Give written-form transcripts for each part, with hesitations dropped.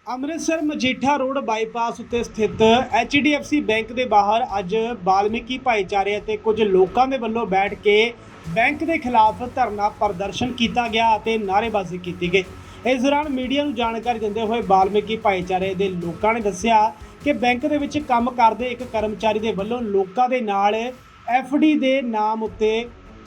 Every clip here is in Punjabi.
ਅੰਮ੍ਰਿਤਸਰ ਮਜੀਠਾ ਰੋਡ ਬਾਈਪਾਸ ਉੱਤੇ ਸਥਿਤ HDFC ਬੈਂਕ ਦੇ ਬਾਹਰ ਅੱਜ ਵਾਲਮੀਕੀ ਭਾਈਚਾਰੇ ਅਤੇ ਕੁਝ ਲੋਕਾਂ ਦੇ ਵੱਲੋਂ ਬੈਠ ਕੇ ਬੈਂਕ ਦੇ ਖਿਲਾਫ ਧਰਨਾ ਪ੍ਰਦਰਸ਼ਨ ਕੀਤਾ ਗਿਆ ਅਤੇ ਨਾਅਰੇਬਾਜ਼ੀ ਕੀਤੀ ਗਈ। ਇਸ ਦੌਰਾਨ ਮੀਡੀਆ ਨੂੰ ਜਾਣਕਾਰੀ ਦਿੰਦੇ ਹੋਏ ਵਾਲਮੀਕੀ ਭਾਈਚਾਰੇ ਦੇ ਲੋਕਾਂ ਨੇ ਦੱਸਿਆ ਕਿ ਬੈਂਕ ਦੇ ਵਿੱਚ ਕੰਮ ਕਰਦੇ ਇੱਕ ਕਰਮਚਾਰੀ ਦੇ ਵੱਲੋਂ ਲੋਕਾਂ ਦੇ ਨਾਲ FD ਦੇ ਨਾਮ ਉੱਤੇ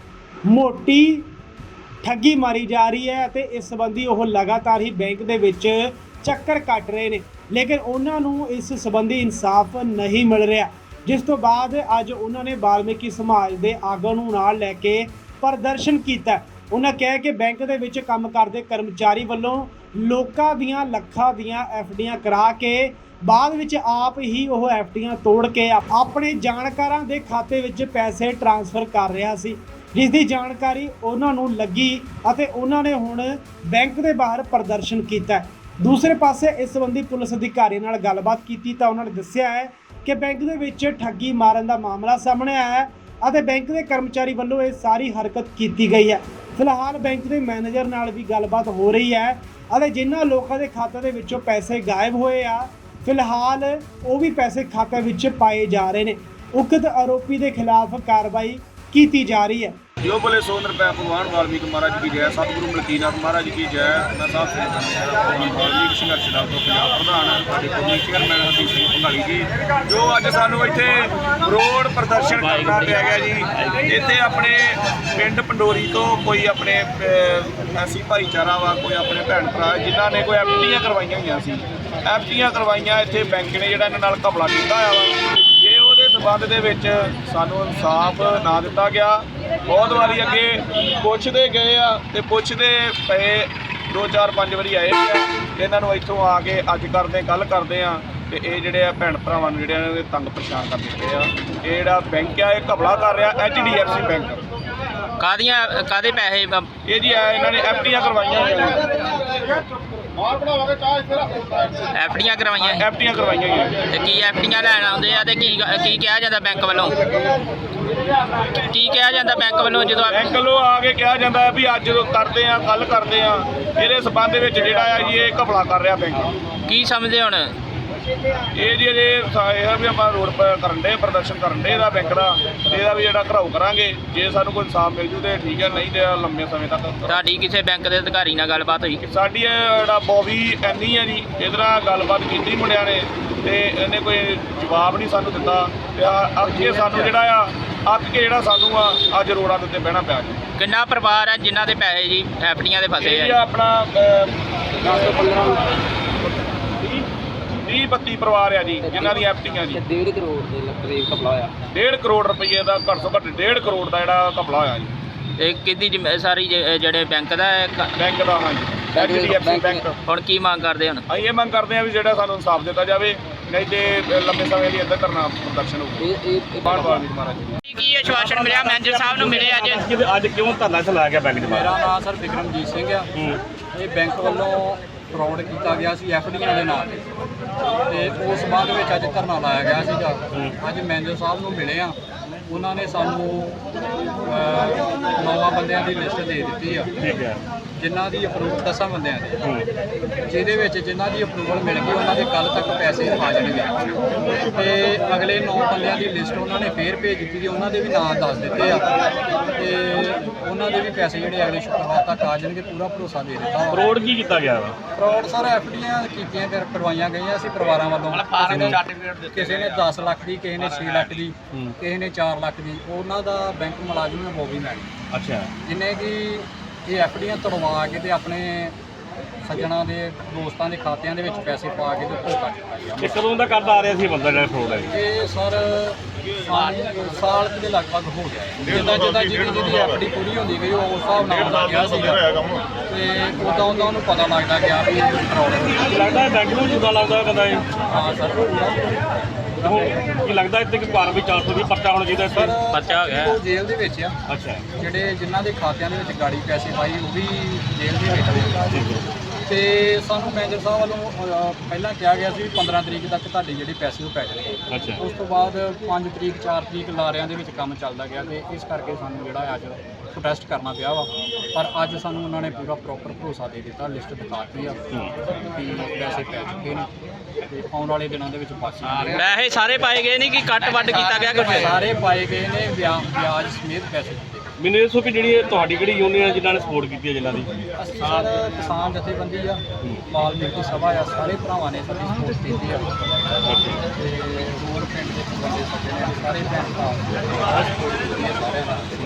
ਮੋਟੀ ਠੱਗੀ ਮਾਰੀ ਜਾ ਰਹੀ ਹੈ ਅਤੇ ਇਸ ਸੰਬੰਧੀ ਉਹ ਲਗਾਤਾਰ ਹੀ ਬੈਂਕ ਦੇ ਵਿੱਚ ਚੱਕਰ ਕੱਟ ਰਹੇ ਨੇ, ਲੇਕਿਨ ਉਹਨਾਂ ਨੂੰ ਇਸ ਸੰਬੰਧੀ ਇਨਸਾਫ ਨਹੀਂ ਮਿਲ ਰਿਹਾ। ਜਿਸ ਤੋਂ ਬਾਅਦ ਅੱਜ ਉਹਨਾਂ ਨੇ ਵਾਲਮੀਕੀ ਸਮਾਜ ਦੇ ਆਗੂ ਨੂੰ ਨਾਲ ਲੈ ਕੇ ਪ੍ਰਦਰਸ਼ਨ ਕੀਤਾ। ਉਹਨਾਂ ਕਿਹਾ ਕਿ ਬੈਂਕ ਦੇ ਵਿੱਚ ਕੰਮ ਕਰਦੇ ਕਰਮਚਾਰੀ ਵੱਲੋਂ ਲੋਕਾਂ ਦੀਆਂ ਲੱਖਾਂ ਦੀਆਂ FDਆਂ ਕਰਾ ਕੇ ਬਾਅਦ ਵਿੱਚ ਆਪ ਹੀ ਉਹ FDਆਂ ਤੋੜ ਕੇ ਆਪਣੇ ਜਾਣਕਾਰਾਂ ਦੇ ਖਾਤੇ ਵਿੱਚ ਪੈਸੇ ਟ੍ਰਾਂਸਫਰ ਕਰ ਰਿਹਾ ਸੀ, ਜਿਸ ਦੀ ਜਾਣਕਾਰੀ ਉਹਨਾਂ ਨੂੰ ਲੱਗੀ ਅਤੇ ਉਹਨਾਂ ਨੇ ਹੁਣ ਬੈਂਕ ਦੇ ਬਾਹਰ ਪ੍ਰਦਰਸ਼ਨ ਕੀਤਾ। ਦੂਸਰੇ ਪਾਸੇ ਇਸ ਸੰਬੰਧੀ ਪੁਲਿਸ ਅਧਿਕਾਰੀਆਂ ਨਾਲ ਗੱਲਬਾਤ ਕੀਤੀ ਤਾਂ ਉਹਨਾਂ ਨੇ ਦੱਸਿਆ ਹੈ ਕਿ ਬੈਂਕ ਦੇ ਵਿੱਚ ਠੱਗੀ ਮਾਰਨ ਦਾ ਮਾਮਲਾ ਸਾਹਮਣੇ ਆਇਆ ਹੈ ਅਤੇ ਬੈਂਕ ਦੇ ਕਰਮਚਾਰੀ ਵੱਲੋਂ ਇਹ ਸਾਰੀ ਹਰਕਤ ਕੀਤੀ ਗਈ ਹੈ। ਫਿਲਹਾਲ ਬੈਂਕ ਦੇ ਮੈਨੇਜਰ ਨਾਲ ਵੀ ਗੱਲਬਾਤ ਹੋ ਰਹੀ ਹੈ ਅਤੇ ਜਿਨ੍ਹਾਂ ਲੋਕਾਂ ਦੇ ਖਾਤੇ ਦੇ ਵਿੱਚੋਂ ਪੈਸੇ ਗਾਇਬ ਹੋਏ ਆ, ਫਿਲਹਾਲ ਉਹ ਵੀ ਪੈਸੇ ਖਾਤੇ ਵਿੱਚ ਪਾਏ ਜਾ ਰਹੇ ਨੇ। ਉਕਤ ਆਰੋਪੀ ਦੇ ਖਿਲਾਫ ਕਾਰਵਾਈ ਕੀਤੀ जा रही है। जो बोले 100 रुपये भगवान वाल्मीकि महाराज की जय, सतगुरु मलकीनाथ महाराज की जय। मैं साहब से वाल्मीकि संघर्ष दल तो पंजाब प्रधान कौमी चेयरमैन हरदीप सिंह भंगाली जी, जो अज सानू इत्थे रोड प्रदर्शन करना पिया गया जी। इत्थे अपने पिंड पंडोरी तो कोई अपने ऐसी भाईचारा वा, कोई अपने भैन भरा जिन्हों ने कोई FDਆਂ करवाइया हुई सी, FDਆਂ करवाइया इत्थे बैंक ने जिहड़ा इन्हां नाल घपला कीता होया वा। जे ਉਹਦੇ ਸੰਬੰਧ ਦੇ ਵਿੱਚ ਸਾਨੂੰ ਇਨਸਾਫ ਨਾ ਦਿੱਤਾ ਗਿਆ, ਬਹੁਤ ਵਾਰੀ ਅੱਗੇ ਪੁੱਛਦੇ ਗਏ ਆ ਤੇ ਪੁੱਛਦੇ ਪਏ 2-4-5 ਵਾਰੀ ਆਏ ਆ ਤੇ ਇਹਨਾਂ ਨੂੰ ਇੱਥੋਂ ਆ ਕੇ ਅੱਜ ਕਰਦੇ ਕੱਲ ਕਰਦੇ ਆ ਤੇ ਇਹ ਜਿਹੜੇ ਆ ਭੈਣ ਭਰਾਵਾਂ ਨੂੰ ਜਿਹੜੇ ਇਹਨਾਂ ਦੇ ਤੰਗ ਪਰੇਸ਼ਾਨ ਕਰ ਦਿੱਤੇ ਆ। ਇਹ ਜਿਹੜਾ ਬੈਂਕ ਆ ਇਹ ਘਪਲਾ ਕਰ ਰਿਹਾ HDFC ਬੈਂਕ। ਕਾਦੇ ਪੈਸੇ ਇਹ ਜੀ ਇਹਨਾਂ ਨੇ FDਆਂ ਕਰਵਾਈਆਂ FDਆਂ ਕਰਵਾਈਆਂ FDਆਂ ਕਰਵਾਈਆਂ ਤੇ ਕੀ FDਆਂ ਲੈਣ ਆਉਂਦੇ ਆ ਤੇ ਕੀ ਕਿਹਾ ਜਾਂਦਾ ਬੈਂਕ ਵੱਲੋਂ? ਕੀ ਕਿਹਾ ਜਾਂਦਾ ਬੈਂਕ ਵੱਲੋਂ ਜਦੋਂ ਬੈਂਕ ਵੱਲੋਂ ਆ ਕੇ ਕਿਹਾ ਜਾਂਦਾ ਹੈ ਵੀ ਅੱਜ ਕਰਦੇ ਆ ਕੱਲ ਕਰਦੇ ਆ। ਇਹਦੇ ਸਬੰਧ ਵਿੱਚ ਜਿਹੜਾ ਆ ਜੀ ਇਹ ਘਪਲਾ ਕਰ ਰਿਹਾ ਬੈਂਕ। ਕੀ ਸਮਝਦੇ ਹੁਣ ਇਹ ਜੀ ਅਜੇ ਇਹ ਵੀ ਆਪਾਂ ਰੋਡ ਕਰਨ ਦੇ ਪ੍ਰਦਰਸ਼ਨ ਕਰਨ ਦੇ ਇਹਦਾ ਬੈਂਕ ਦਾ, ਇਹਦਾ ਵੀ ਜਿਹੜਾ ਘਰਾਓ ਕਰਾਂਗੇ। ਜੇ ਸਾਨੂੰ ਕੋਈ ਇਨਸਾਫ ਮਿਲ ਜੂ ਤੇ ਠੀਕ ਹੈ, ਨਹੀਂ ਤੇ ਲੰਮੇ ਸਮੇਂ ਤੱਕ। ਤੁਹਾਡੀ ਕਿਸੇ ਬੈਂਕ ਦੇ ਅਧਿਕਾਰੀ ਨਾਲ ਗੱਲਬਾਤ ਹੋਈ? ਸਾਡੀ ਜਿਹੜਾ ਬੋਬੀ ਐਨੀ ਹੈ ਜੀ, ਇਹਦੇ ਨਾਲ ਗੱਲਬਾਤ ਕੀਤੀ ਮੁੰਡਿਆਂ ਨੇ ਤੇ ਇਹਨੇ ਕੋਈ ਜਵਾਬ ਨਹੀਂ ਸਾਨੂੰ ਦਿੱਤਾ ਤੇ ਅੱਗੇ ਸਾਨੂੰ ਜਿਹੜਾ ਆ ਅੱਕ ਕੇ ਜਿਹੜਾ ਸਾਨੂੰ ਆ ਅੱਜ ਰੋਡਾਂ ਦੇ ਉੱਤੇ ਬਹਿਣਾ ਪਿਆ ਜੀ। ਕਿੰਨਾ ਪਰਿਵਾਰ ਹੈ ਜਿਨ੍ਹਾਂ ਦੇ ਪੈਸੇ ਜੀ FDਆਂ ਦੇ ਫਸੇ ਇਹ ਆ? ਆਪਣਾ 30-32 ਪਰਿਵਾਰ ਆ ਜੀ ਜਿਨ੍ਹਾਂ ਦੀ FDਆਂ ਜੀ। 1.5 ਕਰੋੜ ਦੇ ਕਰੀਬ ਘਪਲਾ ਹੋਇਆ। 1.5 ਕਰੋੜ ਰੁਪਏ ਦਾ ਘੱਟ ਤੋਂ ਘੱਟ 1.5 ਕਰੋੜ ਦਾ ਜਿਹੜਾ ਘਪਲਾ ਹੋਇਆ ਜੀ। ਇਹ ਕਿਹਦੀ ਸਾਰੀ ਜਿਹੜੇ ਬੈਂਕ ਦਾ ਹੈ? ਬੈਂਕ ਦਾ ਹਾਂਜੀ, HDFC ਬੈਂਕ। ਹੁਣ ਕੀ ਮੰਗ ਕਰਦੇ ਹੁਣ? ਅਸੀਂ ਇਹ ਮੰਗ ਕਰਦੇ ਹਾਂ ਵੀ ਜਿਹੜਾ ਸਾਨੂੰ ਇਨਸਾਫ ਦਿੱਤਾ ਜਾਵੇ, ਨਹੀਂ ਤੇ ਲੰਬੇ ਸਮੇਂ ਲਈ ਇੱਦਾਂ ਕਰਨਾ ਪ੍ਰਦਰਸ਼ਨ ਹੋਊਗਾ। ਬਾਣ-ਬਾਣ ਮਹਾਰਾਜ ਜੀ ਕੀ ਆਸ਼ਵਾਸਨ ਮਿਲਿਆ ਮੈਨੇਜਰ ਸਾਹਿਬ ਨੂੰ? ਮਿਲੇ ਅੱਜ ਕਿਉਂ ਧਰਨਾ ਚਲਾਇਆ ਗਿਆ ਬੈਂਕ ਦੇ ਬਾਹਰ? ਮੇਰਾ ਨਾਮ ਸਰ ਬਿਕਰਮਜੀਤ ਸਿੰਘ ਆ। ਇਹ ਬੈਂਕ ਵੱਲੋਂ ਫਰਾਡ ਕੀਤਾ ਗਿਆ ਸੀ FDਆਂ ਦੇ ਨਾਲ ਤੇ ਉਸ ਸੰਬੰਧ ਵਿੱਚ ਅੱਜ ਧਰਨਾ ਲਾਇਆ ਗਿਆ ਸੀਗਾ। ਅੱਜ ਮੈਨੇਜਰ ਸਾਹਿਬ ਨੂੰ ਮਿਲੇ ਆ, ਉਹਨਾਂ ਨੇ ਸਾਨੂੰ 9 ਬੰਦਿਆਂ ਦੀ ਲਿਸਟ ਦੇ ਦਿੱਤੀ ਆ। ਠੀਕ ਹੈ। ਜਿਨ੍ਹਾਂ ਦੀ ਅਪਰੂਵਲ 10 ਬੰਦਿਆਂ ਦੀ, ਜਿਹਦੇ ਵਿੱਚ ਜਿਨ੍ਹਾਂ ਦੀ ਅਪਰੂਵਲ ਮਿਲ ਗਈ ਉਹਨਾਂ ਦੇ ਕੱਲ ਤੱਕ ਪੈਸੇ ਆ ਜਾਣਗੇ ਤੇ ਅਗਲੇ 9 ਬੰਦਿਆਂ ਦੀ ਲਿਸਟ ਉਹਨਾਂ ਨੇ ਫੇਰ ਭੇਜ ਦਿੱਤੀ ਤੇ ਉਹਨਾਂ ਦੇ ਵੀ ਨਾਂ ਦੱਸ ਦਿੱਤੇ ਆ ਤੇ ਉਹਨਾਂ ਦੇ ਵੀ ਪੈਸੇ ਜਿਹੜੇ ਅਗਲੇ ਸ਼ੁੱਕਰਵਾਰ ਤੱਕ ਆ ਜਾਣਗੇ, ਪੂਰਾ ਭਰੋਸਾ ਦੇ ਦਿੱਤਾ। ਫਰੋਡ ਕੀ ਕੀਤਾ ਗਿਆ ਵਾ? ਫਰਾਡ ਸਰ FDਆਂ ਕੀਤੀਆਂ ਕਰਵਾਈਆਂ ਗਈਆਂ ਸੀ ਪਰਿਵਾਰਾਂ ਵੱਲੋਂ। ਕਿਸੇ ਨੇ 10 ਲੱਖ ਦੀ, ਕਿਸੇ ਨੇ 6 ਲੱਖ ਦੀ, ਕਿਸੇ ਨੇ 4 ਲੱਖ ਦੀ। ਉਹਨਾਂ ਦਾ ਬੈਂਕ ਮੁਲਾਜ਼ਮ ਹੈ ਬੋਬੀ ਮੈਡਮ। ਅੱਛਾ। ਜਿੰਨੇ ਕਿ ਇਹ FDਆਂ ਤੁੜਵਾ ਕੇ ਤੇ ਆਪਣੇ ਸੱਜਣਾ ਦੇ ਦੋਸਤਾਂ ਦੇ ਖਾਤਿਆਂ ਦੇ ਵਿੱਚ ਪੈਸੇ ਪਾ ਕੇ ਤੇ ਧੋਖਾ ਕੀਤਾ ਗਿਆ। ਇਹ ਕਦੋਂ ਦਾ ਕਰਦਾ ਆ ਰਿਹਾ ਸੀ ਬੰਦਾ ਜਿਹੜਾ ਫਰੋਡ ਹੈ? ਇਹ ਸਰ ਸਾਲ ਦੇ ਲਗਭਗ ਹੋ ਗਿਆ। ਜਿੱਦਾਂ ਜਿਹਦੀ FD ਪੂਰੀ ਹੁੰਦੀ ਗਈ ਉਹ ਉਸ ਹਿਸਾਬ ਨਾਲ ਹੁੰਦਾ ਗਿਆ ਸੀਗਾ ਤੇ ਉਦਾਂ ਉਹਨੂੰ ਪਤਾ ਲੱਗਦਾ ਗਿਆ ਵੀ ਇਹ ਫਰਾਡ ਹੈ। ਲੱਗਦਾ ਬੈਂਕ ਨੂੰ ਜੁਦਾ ਲੱਗਦਾ ਬੰਦਾ ਇਹ? ਹਾਂ ਸਰ। ਕੀ ਲੱਗਦਾ ਇੱਥੇ ਕਿ ਕਾਰਵਾਈ 420 ਪਰਚਾ ਹੋਣਾ ਚਾਹੀਦਾ? ਸਰ ਬੱਚਾ ਹੋ ਗਿਆ। ਉਹ ਜੇਲ੍ਹ ਦੇ ਵਿੱਚ ਆ। ਅੱਛਾ। ਜਿਹੜੇ ਜਿਨ੍ਹਾਂ ਦੇ ਖਾਤਿਆਂ ਦੇ ਵਿੱਚ ਗਾੜੀ ਪੈਸੇ ਪਾਈ ਉਹ ਵੀ ਜੇਲ੍ਹ ਦੇ ਵਿੱਚ। ਤੇ ਸਾਨੂੰ ਮੈਨੇਜਰ ਸਾਹਿਬ ਵੱਲੋਂ ਪਹਿਲਾਂ ਕਿਹਾ ਗਿਆ ਸੀ ਵੀ 15 ਤਰੀਕ ਤੱਕ ਤੁਹਾਡੇ ਜਿਹੜੇ ਪੈਸੇ ਉਹ ਪੈ ਜਾਣਗੇ। ਅੱਛਾ। ਉਸ ਤੋਂ ਬਾਅਦ 5 ਤਰੀਕ 4 ਤਰੀਕ ਲਾਰਿਆਂ ਦੇ ਵਿੱਚ ਕੰਮ ਚੱਲਦਾ ਗਿਆ ਤੇ ਇਸ ਕਰਕੇ ਸਾਨੂੰ ਜਿਹੜਾ ਅੱਜ ਪ੍ਰੋਟੈਸਟ ਕਰਨਾ ਪਿਆ ਵਾ। ਪਰ ਅੱਜ ਸਾਨੂੰ ਉਹਨਾਂ ਨੇ ਪੂਰਾ ਪ੍ਰੋਪਰ ਭਰੋਸਾ ਦੇ ਦਿੱਤਾ, ਲਿਸਟ ਦਿਖਾਤੀ ਆ ਕਿ ਪੈਸੇ ਪੈ ਚੁੱਕੇ ਨੇ ਤੇ ਆਉਣ ਵਾਲੇ ਦਿਨਾਂ ਦੇ ਵਿੱਚ ਬਾਕੀ ਪੈਸੇ ਸਾਰੇ ਪਾਏ ਗਏ ਨਹੀਂ ਕਿ ਕੱਟ ਵੱਢ ਕੀਤਾ ਗਿਆ ਕੁਝ? ਸਾਰੇ ਪਾਏ ਗਏ ਨੇ, ਵਿਆਜ ਸਮੇਤ ਪੈਸੇ ਦਿੱਤੇ। ਮੈਨੂੰ ਇਹ ਦੱਸੋ ਕਿ ਜਿਹੜੀ ਇਹ ਤੁਹਾਡੀ ਕਿਹੜੀ ਯੂਨੀਅਨ ਹੈ ਜਿਨ੍ਹਾਂ ਨੇ ਸਪੋਰਟ ਕੀਤੀ ਹੈ ਜਿਨ੍ਹਾਂ ਦੀ? ਅਸੀਂ ਸਰ ਕਿਸਾਨ ਜਥੇਬੰਦੀ ਆ, ਵਾਲਮੀਕੀ ਸਭਾ ਆ, ਸਾਰੇ ਭਰਾਵਾਂ ਨੇ ਸਾਡੀ ਸਪੋਰਟ ਕੀਤੀ ਆ ਤੇ ਹੋਰ ਪਿੰਡ ਦੇ ਬੰਦੇ ਸਾਡੇ ਨੇ ਸਾਰੇ ਭੈਣ ਭਰਾ ਸਪੋਰਟ ਕੀਤੀ ਹੈ ਸਾਰਿਆਂ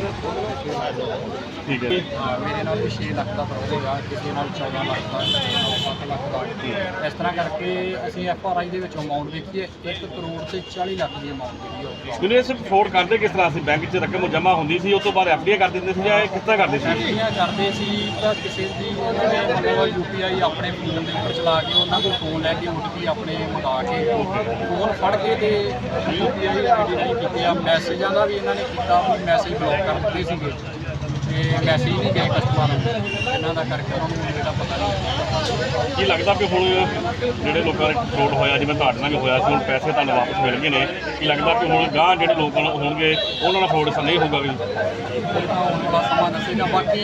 ਨਾਲ। ਠੀਕ ਹੈ। ਮੇਰੇ ਨਾਲ ਵੀ 6 ਲੱਖ ਦਾ ਫਰੋਡ ਹੋਇਆ, ਕਿਸੇ ਨਾਲ 14 ਲੱਖ ਦਾ, ਕਿਸੇ ਨਾਲ 7 ਲੱਖ ਦਾ। ਇਸ ਤਰ੍ਹਾਂ ਕਰਕੇ ਅਸੀਂ FRI ਦੇ ਵਿੱਚ ਅਮਾਊਂਟ ਦੇਖੀਏ 1 ਕਰੋੜ ਤੇ 40 ਲੱਖ ਦੀ ਅਮਾਊਂਟ ਜਿਹੜੀ ਹੋ ਗਈ। ਮੈਨੂੰ ਇਹ ਸਿਰਫ ਫਰੋਡ ਕਰਦੇ ਕਿਸ ਤਰ੍ਹਾਂ ਸੀ? ਬੈਂਕ 'ਚ ਰਕਮ ਜਮ੍ਹਾਂ ਹੁੰਦੀ ਸੀ, ਉਸ ਤੋਂ ਬਾਅਦ FDI ਕਰ ਦਿੰਦੇ ਸੀ ਜਾਂ ਇਹ ਕਿਸ ਤਰ੍ਹਾਂ ਕਰਦੇ ਸੀ? FDI ਕਰਦੇ ਸੀ ਤਾਂ ਕਿਸੇ ਦੀ ਉਹਨਾਂ ਨੇ ਮਤਲਬ UPI ਆਪਣੇ ਫੋਨ ਦੇ ਉੱਪਰ ਚਲਾ ਕੇ ਉਹਨਾਂ ਕੋਲ ਫੋਨ ਲੈ ਕੇ OTP ਆਪਣੇ ਮੰਗਾ ਕੇ ਫੋਨ ਫੜ ਕੇ ਤੇ UPI ID ਨਹੀਂ ਕੀਤੇ ਆ। ਮੈਸੇਜਾਂ ਦਾ ਵੀ ਇਹਨਾਂ ਨੇ ਕੀਤਾ ਵੀ ਮੈਸੇਜ ਬਲੌਕ ਕਰ ਦਿੱਤੇ ਸੀਗੇ ਤੇ ਮੈਸੇਜ ਨਹੀਂ ਗਏ ਕਸਟਮਰ ਨੂੰ, ਇਹਨਾਂ ਦਾ ਕਰਕੇ ਉਹਨਾਂ ਨੂੰ ਜਿਹੜਾ ਪਤਾ ਨਹੀਂ। ਕੀ ਲੱਗਦਾ ਕਿ ਹੁਣ ਜਿਹੜੇ ਲੋਕਾਂ ਦੇ ਫਰੋਡ ਹੋਇਆ, ਜਿਵੇਂ ਤੁਹਾਡੇ ਨਾਲ ਵੀ ਹੋਇਆ ਸੀ, ਹੁਣ ਪੈਸੇ ਤੁਹਾਨੂੰ ਵਾਪਸ ਮਿਲ ਗਏ ਨੇ, ਕੀ ਲੱਗਦਾ ਕਿ ਹੁਣ ਗਾਂਹ ਜਿਹੜੇ ਲੋਕਾਂ ਨਾਲ ਹੋਣਗੇ ਉਹਨਾਂ ਨਾਲ ਫਰੋਡ ਨਹੀਂ ਹੋਊਗਾ ਵੀ? ਇਹ ਤਾਂ ਆਉਣ ਵਾਲਾ ਸਮਾਂ ਦੱਸੇਗਾ। ਬਾਕੀ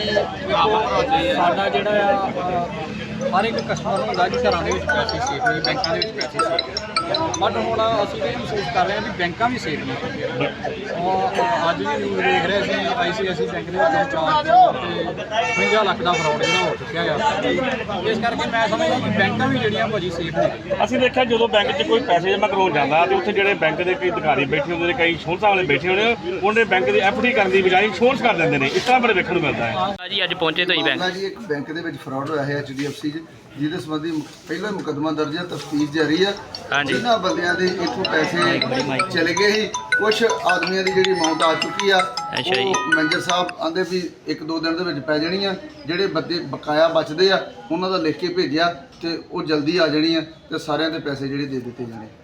ਦੇਖੋ ਸਾਡਾ ਜਿਹੜਾ ਆ ਹਰ ਇੱਕ ਕਸਟਮਰ ਨੂੰ ਹੁੰਦਾ ਕਿ ਘਰਾਂ ਦੇ ਵਿੱਚ ਪੈਸੇ ਸੇਫ ਨਹੀਂ, ਬੈਂਕਾਂ ਦੇ ਵਿੱਚ ਪੈਸੇ ਸੇਫ ਨਹੀਂ, ਬਟ ਹੁਣ ਅਸੀਂ ਇਹ ਮਹਿਸੂਸ ਕਰ ਰਹੇ ਹਾਂ ਵੀ ਬੈਂਕਾਂ ਵੀ ਸੇਫ ਨਹੀਂ ਹੈਗੀਆਂ। ਔਰ ਅੱਜ ਵੀ ਨਿਊਜ਼ ਦੇਖ ਰਹੇ ਸੀ ICICI ਬੈਂਕ ਦੇ ਵਿੱਚ 4 ਤੇ 50 ਲੱਖ ਦਾ ਫਰੋਡ ਜਿਹੜਾ ਹੋ ਚੁੱਕਿਆ ਆ। ਇਸ ਕਰਕੇ ਮੈਂ ਸਮਝਦਾ ਕਿ ਬੈਂਕਾਂ ਵੀ ਜਿਹੜੀਆਂ ਭਾਜੀ ਸੇਫ ਨੇ। ਅਸੀਂ ਦੇਖਿਆ ਜਦੋਂ ਬੈਂਕ 'ਚ ਕੋਈ ਪੈਸੇ ਜਮ੍ਹਾਂ ਕਰਵਾਉਣ ਜਾਂਦਾ ਤੇ ਉੱਥੇ ਜਿਹੜੇ ਬੈਂਕ ਦੇ ਕਈ ਅਧਿਕਾਰੀ ਬੈਠੇ ਹੁੰਦੇ ਨੇ, ਕਈ ਇੰਸ਼ੋਰੈਂਸਾਂ ਵਾਲੇ ਬੈਠੇ ਹੁੰਦੇ ਨੇ, ਉਹਨੇ ਬੈਂਕ ਦੀ FD ਕਰਨ ਦੀ ਬਜਾਏ ਇੰਸ਼ੋਰੈਂਸ ਕਰ ਦਿੰਦੇ ਨੇ। ਇਸ ਤਰ੍ਹਾਂ ਬੜੇ ਵੇਖਣ ਨੂੰ ਮਿਲਦਾ ਹੈ। ਜੀ ਅੱਜ ਪਹੁੰਚੇ ਤੁਸੀਂ ਬੈਂਕ? ਜੀ ਇੱਕ ਬੈਂਕ ਦੇ ਵਿੱਚ ਫਰਾਡ ਹੋਇਆ ਹੈ HDFC 'ਚ, ਜਿਹਦੇ ਸੰਬੰਧੀ ਪਹਿਲਾ ਮੁਕੱਦਮਾ ਦਰਜ ਹੈ, ਤਫਤੀਸ਼ ਜਾਰੀ ਹੈ। ਹਾਂਜੀ। ਇਹਨਾਂ ਬੰਦਿਆਂ ਦੇ ਇੱਥੋਂ ਪੈਸੇ ਚਲੇ ਗਏ ਸੀ, ਕੁਝ ਆਦਮੀਆਂ ਦੀ ਜਿਹੜੀ ਅਮਾਉਂਟ ਆ ਚੁੱਕੀ ਆ, ਅੱਛਾ ਜੀ। ਉਹ ਮੈਨੇਜਰ ਸਾਹਿਬ ਆਂਦੇ ਵੀ 1-2 ਦਿਨ ਦੇ ਵਿੱਚ ਪੈ ਜਾਣੀ ਆ। ਜਿਹੜੇ ਬੰਦੇ ਬਕਾਇਆ ਬਚਦੇ ਆ ਉਹਨਾਂ ਦਾ ਲਿਖ ਕੇ ਭੇਜਿਆ ਤੇ ਉਹ ਜਲਦੀ ਆ ਜਾਣੀ ਆ ਤੇ ਸਾਰਿਆਂ ਦੇ ਪੈਸੇ ਜਿਹੜੇ ਦੇ ਦਿੱਤੇ ਜਾਣੇ।